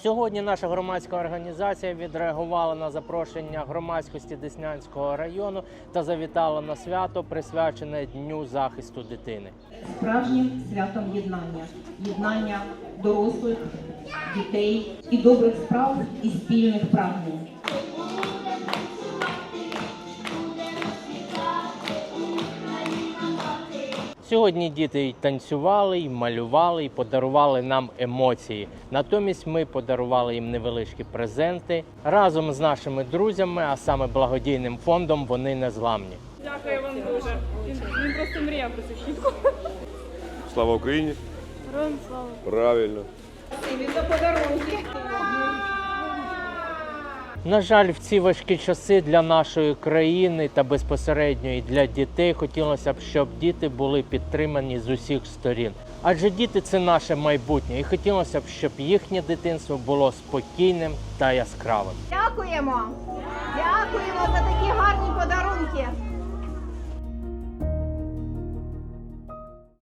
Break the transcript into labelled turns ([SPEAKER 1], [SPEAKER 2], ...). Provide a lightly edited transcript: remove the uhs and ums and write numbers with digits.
[SPEAKER 1] Сьогодні наша громадська організація відреагувала на запрошення громадськості Деснянського району та завітала на свято, присвячене Дню захисту дитини.
[SPEAKER 2] Справжнім святом єднання. Єднання дорослих, дітей і добрих справ і спільних прагнень.
[SPEAKER 1] Сьогодні діти й танцювали, й малювали, й подарували нам емоції. Натомість ми подарували їм невеличкі презенти. Разом з нашими друзями, а саме благодійним фондом «Вони незламні».
[SPEAKER 3] Дякую вам дуже. Він просто мріяв про цю щітку.
[SPEAKER 4] Слава Україні!
[SPEAKER 3] Героям слава!
[SPEAKER 4] Правильно.
[SPEAKER 1] На жаль, в ці важкі часи для нашої країни та безпосередньо і для дітей хотілося б, щоб діти були підтримані з усіх сторін. Адже діти – це наше майбутнє, і хотілося б, щоб їхнє дитинство було спокійним та яскравим.
[SPEAKER 5] Дякуємо! Дякуємо за такі гарні подарунки!